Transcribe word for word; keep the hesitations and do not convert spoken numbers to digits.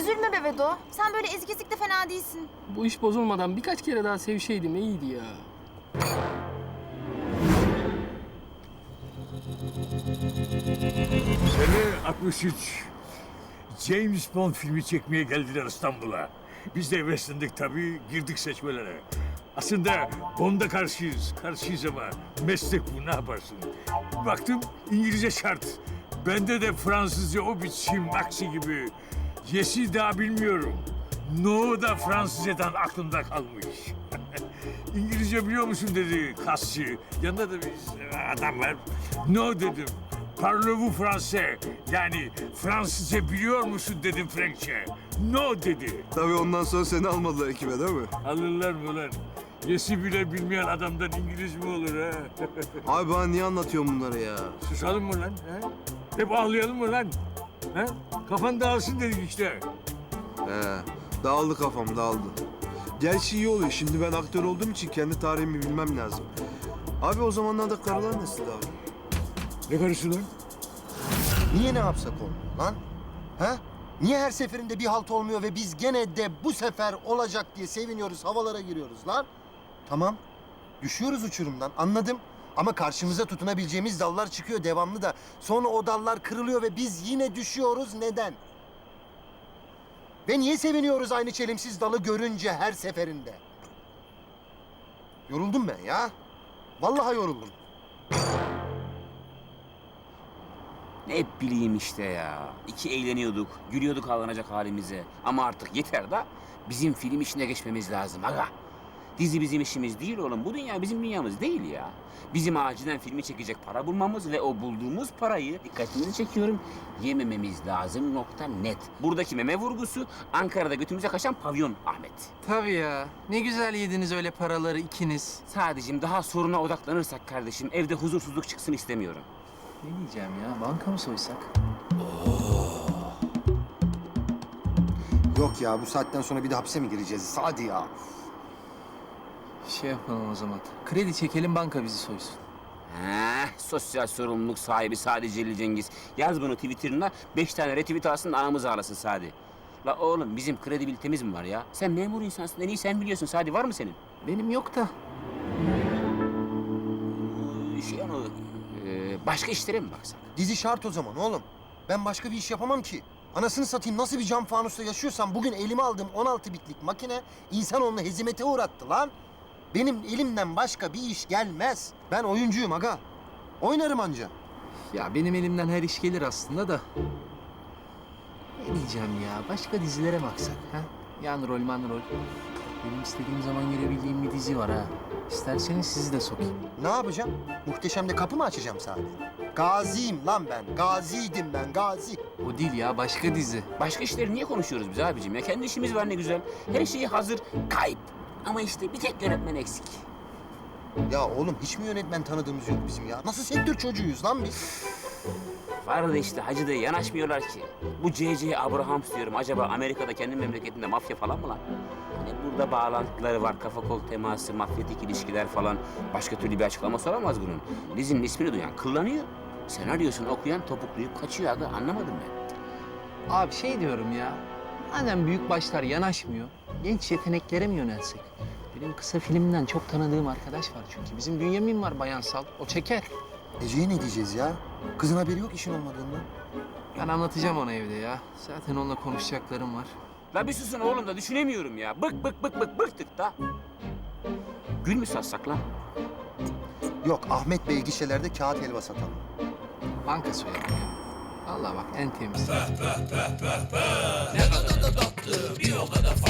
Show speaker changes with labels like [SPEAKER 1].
[SPEAKER 1] Üzülme be Vedo. Sen böyle ezikesik de fena değilsin.
[SPEAKER 2] Bu iş bozulmadan birkaç kere daha sevişeydim iyiydi ya.
[SPEAKER 3] Sene altmış üç. James Bond filmi çekmeye geldiler İstanbul'a. Biz de heveslendik tabii, girdik seçmelere. Aslında Bond'a karşıyız, karşıyız ama meslek bu, ne yaparsın? Baktım İngilizce şart. Bende de Fransızca o biçim aksi gibi. Yes'i daha bilmiyorum. No da Fransızcadan aklımda kalmış. İngilizce biliyor musun dedi kasçı. Yanında da bir adam var. No dedim. Parlez-vous français? Yani Fransızca biliyor musun dedim Frankçe. No dedi.
[SPEAKER 4] Tabii ondan sonra seni almadılar ekibe değil mi?
[SPEAKER 3] Alırlar mı lan? Yesi bile bilmeyen adamdan İngiliz mi olur ha?
[SPEAKER 4] Abi bana niye anlatıyorsun bunları ya?
[SPEAKER 3] Susalım mı lan? Ha? Hep ağlayalım mı lan? Ha? Kafan dağılsın dedik işte.
[SPEAKER 4] He, dağıldı kafam, dağıldı. Gerçi iyi oluyor. Şimdi ben aktör olduğum için kendi tarihimi bilmem lazım. Abi o zamanlarda karılar nasıl abi?
[SPEAKER 3] Ne karısı lan?
[SPEAKER 5] Niye ne yapsak olmuyor lan? Ha? Niye her seferinde bir halt olmuyor ve biz gene de bu sefer olacak diye seviniyoruz, havalara giriyoruz lan? Tamam, düşüyoruz uçurumdan, anladım. Ama karşımıza tutunabileceğimiz dallar çıkıyor devamlı da. Sonra o dallar kırılıyor ve biz yine düşüyoruz. Neden? Ve niye seviniyoruz aynı çelimsiz dalı görünce her seferinde? Yoruldum ben ya. Vallahi yoruldum.
[SPEAKER 6] Ne bileyim işte ya. İki eğleniyorduk, gülüyorduk ağlanacak halimize. Ama artık yeter da bizim film işine geçmemiz lazım aga. Dizi bizim işimiz değil oğlum. Bu dünya bizim dünyamız değil ya. Bizim acilen filmi çekecek para bulmamız ve o bulduğumuz parayı, dikkatinizi çekiyorum, yemememiz lazım nokta net. Buradaki meme vurgusu Ankara'da götümüze kaçan pavyon Ahmet.
[SPEAKER 7] Tabii ya. Ne güzel yediniz öyle paraları ikiniz.
[SPEAKER 6] Sadece daha soruna odaklanırsak kardeşim evde huzursuzluk çıksın istemiyorum.
[SPEAKER 7] Ne diyeceğim ya? Banka mı soysak?
[SPEAKER 5] Yok ya, bu saatten sonra bir de hapse mi gireceğiz? Hadi ya.
[SPEAKER 7] Şey yapalım o zaman. Kredi çekelim, banka bizi soysun.
[SPEAKER 6] Heh, sosyal sorumluluk sahibi Sadi Celil Cengiz. Yaz bunu Twitter'ına, beş tane retweet alsın da anamız ağlasın Sadi. La oğlum bizim kredibilitemiz mi var ya? Sen memur insansın, en iyi sen biliyorsun. Sadi var mı senin?
[SPEAKER 7] Benim yok da.
[SPEAKER 6] Ee, Şey onu, e, başka işlere mi baksak?
[SPEAKER 5] Dizi şart o zaman oğlum. Ben başka bir iş yapamam ki. Anasını satayım, nasıl bir cam fanusta yaşıyorsam bugün elime aldığım on altı bitlik makine insanoğlunu hezimete uğrattı lan. Benim elimden başka bir iş gelmez. Ben oyuncuyum aga. Oynarım anca.
[SPEAKER 7] Ya benim elimden her iş gelir aslında da. Ne diyeceğim ya? Başka dizilere baksak ha? Yan rol, man rol. Benim istediğim zaman girebildiğim bir dizi var ha. İsterseniz sizi de sokayım.
[SPEAKER 5] Ne yapacağım? Muhteşem'de kapı mı açacağım sadece? Gaziyim lan ben. Gaziydim ben, gazi.
[SPEAKER 7] O değil ya, başka dizi.
[SPEAKER 6] Başka işleri niye konuşuyoruz biz abicim ya? Kendi işimiz var ne güzel. Her şeyi hazır, kayıp. Ama işte bir tek yönetmen eksik.
[SPEAKER 5] Ya oğlum hiç mi yönetmen tanıdığımız yok bizim ya? Nasıl sektör çocuğuyuz lan biz?
[SPEAKER 6] Var da işte hacı da yanaşmıyorlar ki. Bu C C. Abrahams diyorum. Acaba Amerika'da kendi memleketinde mafya falan mı lan? Hani burada bağlantıları var. Kafa kol teması, mafyatik ilişkiler falan. Başka türlü bir açıklaması olamaz bunun. Dizinin ismini duyan kıllanıyor. Senaryosunu okuyan topukluyup kaçıyor abi. Anlamadım ben.
[SPEAKER 7] Abi şey diyorum ya. Madem büyük başlar yanaşmıyor, genç yeteneklere mi yönelsek? Benim kısa filmden çok tanıdığım arkadaş var çünkü. Bizim Bünyamin var bayansal. O çeker.
[SPEAKER 5] Ece'ye ne diyeceğiz ya? Kızın haberi yok işin olmadığından.
[SPEAKER 7] Ben anlatacağım ona evde ya. Zaten onunla konuşacaklarım var.
[SPEAKER 6] La bir susun oğlum da düşünemiyorum ya. Bık bık bık bık bıktık da. Gül mü satsak lan?
[SPEAKER 5] Yok, Ahmet Bey gişelerde kağıt helva satalım.
[SPEAKER 7] Banka soyalım ya. Vallahi bak en temiz.
[SPEAKER 8] Ne kadar da tatlı, bir o kadar